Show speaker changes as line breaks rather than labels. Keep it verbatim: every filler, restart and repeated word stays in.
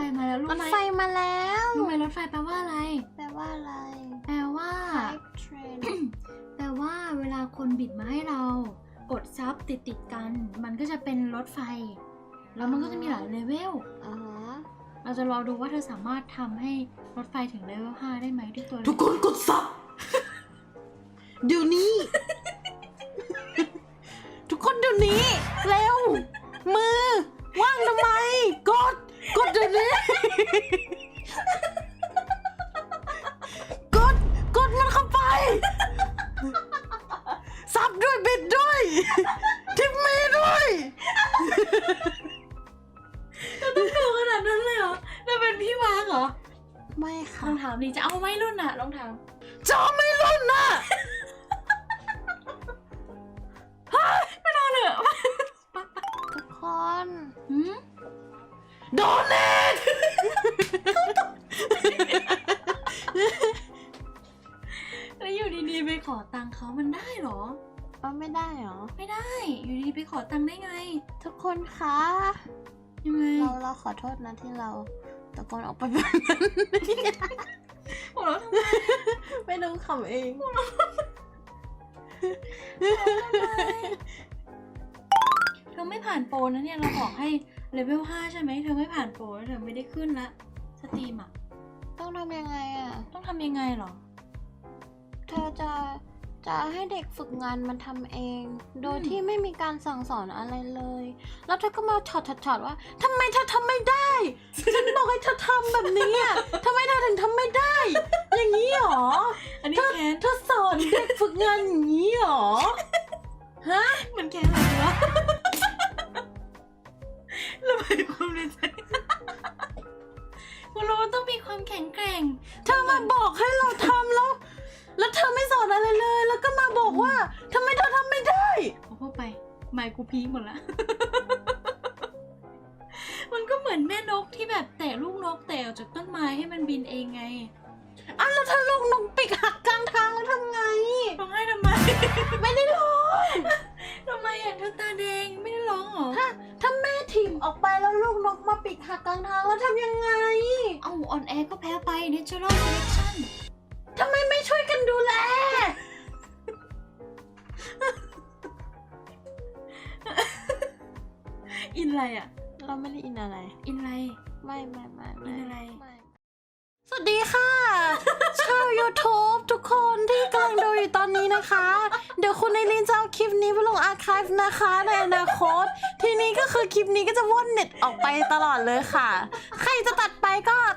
มาแล้วรู้
รถ
ไหม
ไฟมาแล้ว
รู้ไหมรถไฟแปลว่าอะไร
แปลว่าอะไร
แปลว่า
Type train
แปลว่าเวลาคนบิดมาให้เรากดซับติดติดกัน มันก็จะเป็นรถไฟแล้วมันก็จะมีหลายเลเวล
อ๋อ
เราจะรอดูว่าเธอสามารถทำให้รถไฟถึงเลเวลห้าได้ไหมด้วยตัว
ทุกคนกดซับเดี๋ยวนี้ ทุกคนเดี๋ยวนี้ เร็ว มือ ว่างทำไม กด กดเดี๋ยวนี้ กด กดมันเข้าไป ซับด้วยบิดด้วย ทิปมีด้วย
ต้องดูขนาดนั้นเลยเหรอเราเป็นพี่วางเหรอ
ไม่
ล
ค่ะ
องถามดิจะเอาไหมรุ่นน่ะลองถาม
จอไม่รุ่นน่ะ
ไม่นอนเหรอ
ทุกคน
หืม
โดนเนท
แล้วอยู่ดีๆไปขอตังค์เขามันได้เหรอ
เอาไม่ได้เหรอ
ไม่ได้ อยู่ดีๆไปขอตังค์ได้ไง
ทุกคนคะ
ยังไง
เราเราขอโทษนะที่เราตะโกนออกไปแบบนั้น
หัวเราะทำไม
ไม่รู้ขำเอง
เธอไม่ผ่านโปรนะเนี่ยเราบอกให้เลเวลห้าใช่ไหมเธอไม่ผ่านโปรเธอไม่ได้ขึ้นละสตรีมอ่ะ
ต้องทำยังไงอ่ะ
ต้องทำยังไงเหรอ
เธอจะจะให้เด็กฝึกงานมันทำเอง โดย
อืม
ที่ไม่มีการสั่งสอนอะไรเลย แล้วเธอก็มาช็อตช็อตว่าทำไมเธอทำไม่ได้ ฉันบอกให้เธอทำแบบนี้อ่ะทำไมเธอถึงทำไม่ได้ อย่างนี้หรอ
อันนี้
เธอ
แค้น
เธอสอนเด็กฝึกงานอย่างนี้หรอ ฮะ
มันแค้นอะไรวะระบายความในใจคุณรู้ว่าต้องมีความแข็งแกร่ง
เธอมาบอกให้เราทำแล้ว แล้วเธอไม่สอนอะไรเลย แล้วก็มาบอกว่าทำไมเธอทำไม่ได้
พอพูดไปไมค์กูพีคหมดละ มันก็เหมือนแม่นกที่แบบแตะลูกนกแตะออกจากต้นไม้ให้มันบินเองไง
อ่ะแล้วถ้าลูกนกปีกหักกลางทางแล้วทำไง
ร้องไห้ทำไม
ไม่ได้ร้อง
ทำไมอ่ะเธอตาแดงไม่ได้ร้องเหรอ
ถ้าถ้าแม่ถิ่มออกไปแล้วลูกนกมาปีกหักกลางทางแล้วทำยังไง
เอาอ่อนแอก็แพ้ไป natural selection
ทำไมไม่ช่วยกันดูแล
อินอะไรอ่ะ
เราไม่ได้อินอะไร
อินอะไร
ไม่ไม่ไม่
อินอะไร
ไม่สวัสดีค่ะ ชาว YouTube ทุกคนที่กำลังดูอยู่ตอนนี้นะคะ เดี๋ยวคุณไอรินจะเอาคลิปนี้ไปลงอาร์ไคฟ์นะคะในอนาคต ทีนี้ก็คือคลิปนี้ก็จะว่อนเน็ตออกไปตลอดเลยค่ะ ใครจะตัดไปก็